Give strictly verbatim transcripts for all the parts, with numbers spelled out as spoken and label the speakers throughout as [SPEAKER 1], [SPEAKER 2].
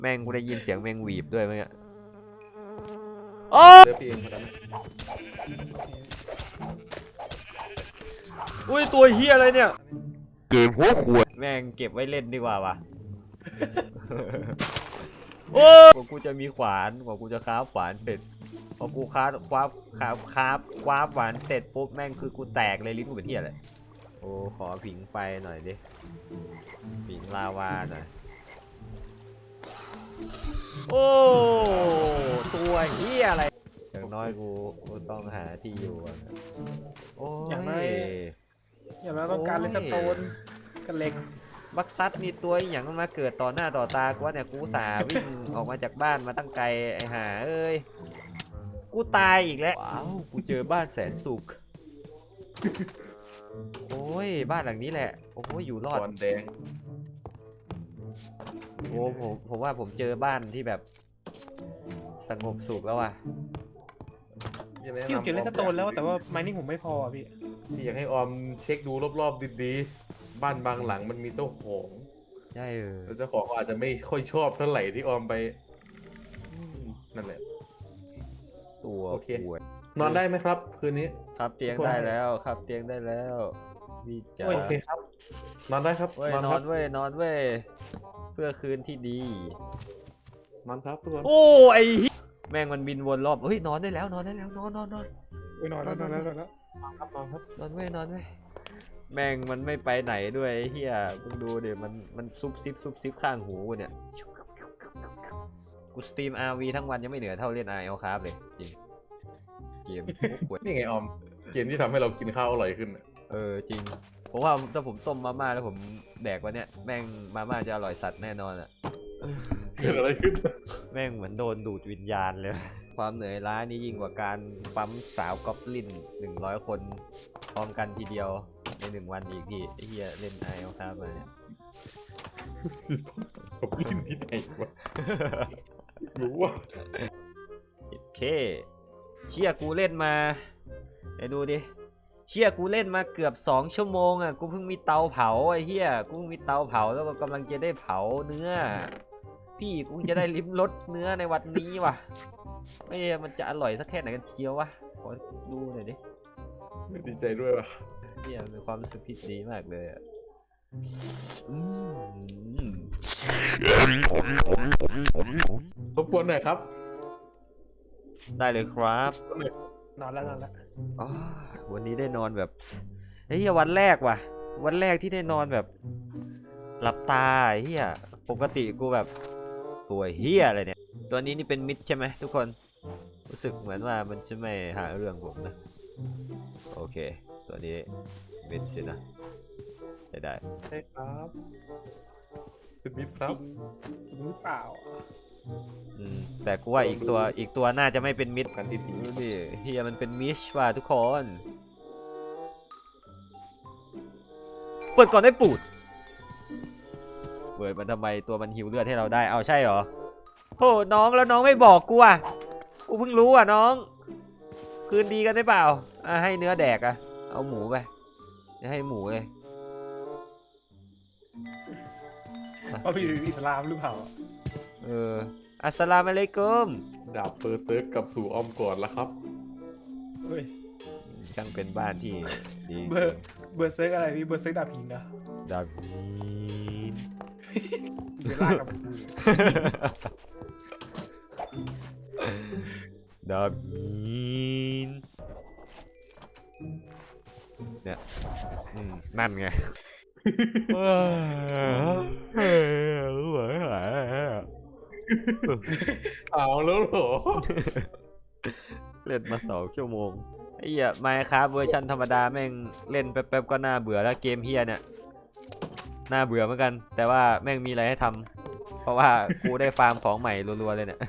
[SPEAKER 1] แม่งกูได้ยินเสียงแมงหวีบด้วยมั้งเนี่ยโอ้เดี๋ยวพี่เองครับอุ้ยตัวเฮียอะไรเนี่ยเกมหัวขวดแม่งเก็บไว้เล่นดีกว่าวะโอ้กว่ากูจะมีขวานกว่ากูจะคราฟขวานเสร็จพอกูคราฟคราฟคราฟคราฟคราฟขวานเสร็จปุ๊บแม่งคือกูแตกเลยลิ้นกูเป็นเฮียเลยโอ้ขอผิงไฟหน่อยดิผิงลาวาหน่อยโอ้ตัวเฮียอะไรอย่างน้อยกูกูต้องหาที่อยู่โอ้ยอย่างน้อย
[SPEAKER 2] อย่างน้อยต้องการเลสโตนกันเหล็ก
[SPEAKER 1] บักซัดมีตัวอย่างมันมาเกิดต่อหน้าต่อตากูว่าเนี่ยกูสาวิ่งออกมาจากบ้านมาตั้งไกลไอ้ห่าเอ้ยกูตายอีกแล้วว้าวกูเจอบ้านแสนสุขโอ้ยบ้านหลังนี้แหละโอ้ยอยู่รอดแดงโอ้ผมผมว่าผมเจอบ้านที่แบบสงบสุขแล้วว่ะ
[SPEAKER 2] พี่เก็บเลสโตนแล้วแต่ว่าไมนิ่งผมไม่พอพี่
[SPEAKER 3] พี่อยากให้ออมเช็คดูรอบๆดีๆบ้านบางหลังมันมีเจ้าของ
[SPEAKER 1] ใช่เออ
[SPEAKER 3] เจ้าของอาจจะไม่ค่อยชอบเท่าไหร่ที่ออมไปนั่นแหละ
[SPEAKER 1] ตัว
[SPEAKER 3] โอเคนอนได้ไหมครับคืนนี้
[SPEAKER 1] ครับเตียงได้แล้วครับเตียงได้แล้วดีจ้า
[SPEAKER 3] โอเคครับนอนได้ครับ
[SPEAKER 1] เว้ยนอนเว้ยนอนเว้ยเพื่อคืนที่ดี
[SPEAKER 3] นอนครับทุกคน
[SPEAKER 1] โอ้ไอ้แม่งมันบินวนรอบเฮ้ยนอนได้แล้วนอนได้แล้วนอนนอนนอน
[SPEAKER 2] นอนแล้วนอนแล้วนอนแล้ว
[SPEAKER 3] นอนครับนอนครับ
[SPEAKER 1] นอนเว้ยนอนเว้ยแม่งมันไม่ไปไหนด้วยเฮียมึงดูเดี๋ยวมันมันซุบซิบซุบซิบข้างหูเนี่ยกูสตรีม อาร์ วี ทั้งวันยังไม่เหนือเท่าเล่น อาร์ แอล ครับเลยจริงเกม
[SPEAKER 3] นี่ไงออมเกมที่ทำให้เรากินข้าวอร่อยขึ้น
[SPEAKER 1] เออจริงผมว่าถ้าผมต้มมาม่าแล้วผมแดกวันเนี้ยแม่งมาม่าจะอร่อยสัตว์แน่นอนอ่ะ
[SPEAKER 3] เกิดอะไรขึ้น
[SPEAKER 1] แม่งเหมือนโดนดูดวิญญาณเลยความเหนื่อยล้านี่ยิ่งกว่าการปั๊มสาวก๊อบลินหนึ่งร้อยคนพร้อมกันทีเดียวในหนึ่งวันอีกพี่ไอ้เหี้ยเล่นไอเอลครับมาเนี่ย
[SPEAKER 3] ก๊อบลินที่ไหนวะรู้ว่า
[SPEAKER 1] โอเคเชี่ยกูเล่นมาเดี๋ยวดูดิเชี่ยกูเล่นมาเกือบสองชั่วโมงอ่ะกูเพิ่งมีเตาเผาไอ้เหี้ยกูมีเตาเผาแล้วก็กำลังจะได้เผาเนื้อพี่กูจะได้ลิ้มรสเนื้อในวันนี้ว่ะไม่มันจะอร่อยสักแค่ไหนกันเชียววะขอดูหน่อยดิ
[SPEAKER 3] ดีใจด้วยว่ะ
[SPEAKER 1] เนี่ยมีความรู้สึกที่ดีมากเลยอ่ะ
[SPEAKER 3] รบกวนหน่อยครับ
[SPEAKER 1] ได้เลยครับ
[SPEAKER 2] นอนแล้วนอนแล้ว
[SPEAKER 1] วันนี้ได้นอนแบบไอ้เหี้ยวันแรกว่ะวันแรกที่ได้นอนแบบหลับตาไอ้เหี้ยปกติกูแบบตัวเหี้ยอะไรเนี่ยตัวนี้นี่เป็นมิดใช่ไหมทุกคนรู้สึกเหมือนว่ามันจะไม่หาเรื่องผมนะโอเคตัวนี้มิดสินะได้ได้
[SPEAKER 3] ใช่ครับเป็นมิดครับ
[SPEAKER 2] จริงหรือเปล่า
[SPEAKER 1] อืมแต่กูว่าอีกตัวอีกตัวน่าจะไม่เป็นมิดกันที่ผีนี่เฮียมันเป็นมิชว่ะทุกคนเปิดก่อนได้ปูดเปิดมันทำไมตัวมันหิวเลือดให้เราได้เอาใช่เหรอโหน้องแล้วน้องไม่บอกกูอ่ะกูเพิ่งรู้อ่ะน้องคืนดีกันได้เปล่าอ่ะให้เนื้อแดกอ่ะเอาหมูไปให้หมูเลย
[SPEAKER 2] ว่าพี่อิสลามหรือเปล่า
[SPEAKER 1] เอออัสสลามุอะลัยกุม
[SPEAKER 3] ดาบเปอร์เซิร์กกับสู่อ้อมก่อนแล้วครับ
[SPEAKER 2] เฮ้ย
[SPEAKER 1] ช่างเป็นบ้านที่ดี
[SPEAKER 2] เบอร์เบอร์เซิร์กอะไรพี่เบอร์เซิร์กดาบหินนะ
[SPEAKER 1] ดาบหิน
[SPEAKER 2] เดี๋ยวลากกับ
[SPEAKER 1] ดาบหินเนี่ยนั่นไงเฮ้ยรู้ไหม
[SPEAKER 3] เอาแล้วเหรอ
[SPEAKER 1] เล่นมาสองชั่วโมงไอ้เหี้ยไมค์ครับเวอร์ชันธรรมดาแม่งเล่นแป๊บๆก็น่าเบื่อแล้วเกมเฮียเนี่ยน่าเบื่อเหมือนกันแต่ว่าแม่งมีอะไรให้ทำเพราะว่ากูได้ฟาร์มของใหม่รัวๆเลยเนี่ย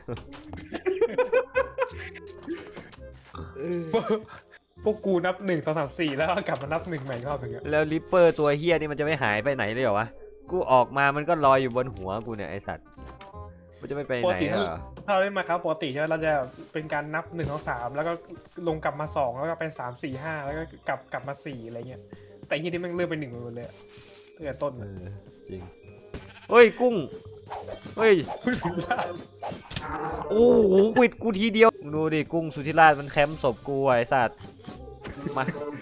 [SPEAKER 2] พวกกูนับหนึ่งสองสามสี่แล้วกลับมานับหนึ่งใหม่รอบหนึ่ง
[SPEAKER 1] แล้วริปเปอร์ตัวเฮียนี่มันจะไม่หายไปไหนเลยเหรอวะกูออกมามันก็ลอยอยู่บนหัวกูเนี่ยไอสัตว์มันจะไม่ไปไหนเหรอ
[SPEAKER 2] ถ้าเราเล่นมาครับปกติใช่ไหมเราจะเป็นการนับหนึ่งสองสามแล้วก็ลงกลับมาสองแล้วก็เป็นสามสี่ห้าแล้วก็กลับกลับมาสี่อะไรเงี้ยแต่ที่นี่มันเริ่มเป็นหนึ่งหมดเลยตั้งแต่ต้น
[SPEAKER 1] จริงเฮ้ยกุ้งเฮ้ย
[SPEAKER 2] คุณสุราษฎร์
[SPEAKER 1] โอ้โหควิดกูทีเดียวมึงดูดิกุ้งสุธิราชมันแคมป์ศพกูไอ้สัตว์มา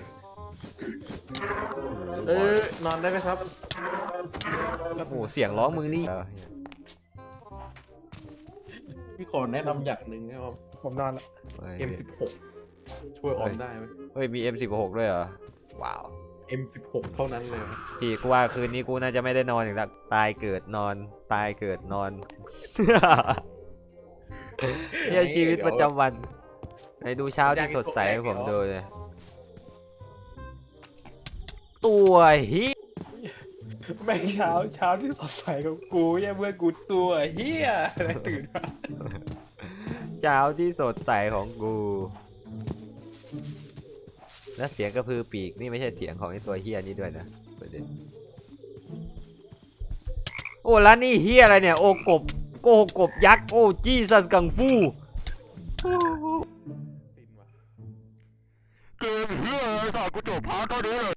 [SPEAKER 3] เออนอนได้ไหมครับ
[SPEAKER 1] โอ้โหเสียงร้องมึงนี่
[SPEAKER 3] พี่ขอแนะนำอย่างหนึ่งนะครับ
[SPEAKER 2] ผมนอนละ
[SPEAKER 1] เฮ้ย
[SPEAKER 3] เอ็ม สิบหก ช่วยออมได้ไหม
[SPEAKER 1] เฮ้ยมี เอ็ม สิบหก ด้วยเหรอว้าว
[SPEAKER 3] เอ็ม สิบหก เท่านั้นเลยครับ
[SPEAKER 1] พี่กูว่าคืนนี้กูน่าจะไม่ได้นอนอีกแล้วตายเกิดนอนตายเกิดนอน เรื่องชีวิตประจำวันไหนดูเช้าที่สดใสให้ผมดูเลยตัวฮิ
[SPEAKER 2] แม่งเช้าเช้าที่สดใสของกูเนี่ยเพื่อนกูตัวเฮียอะไรตื่นมา
[SPEAKER 1] เช้าที่สดใสของกู และเสียงกระพือปีกนี่ไม่ใช่เสียงของไอ้ตัวเฮียนี้ด้วยนะประเด็นโอ้แล้วนี่เฮียอะไรเนี่ยโอกบโกกบยักษ์โอ้จีซัสกังฟู
[SPEAKER 3] ฟินว่ะ
[SPEAKER 1] เกมเฮียอะไรสัตว์กูจบพาร์ทเท่านี้เลย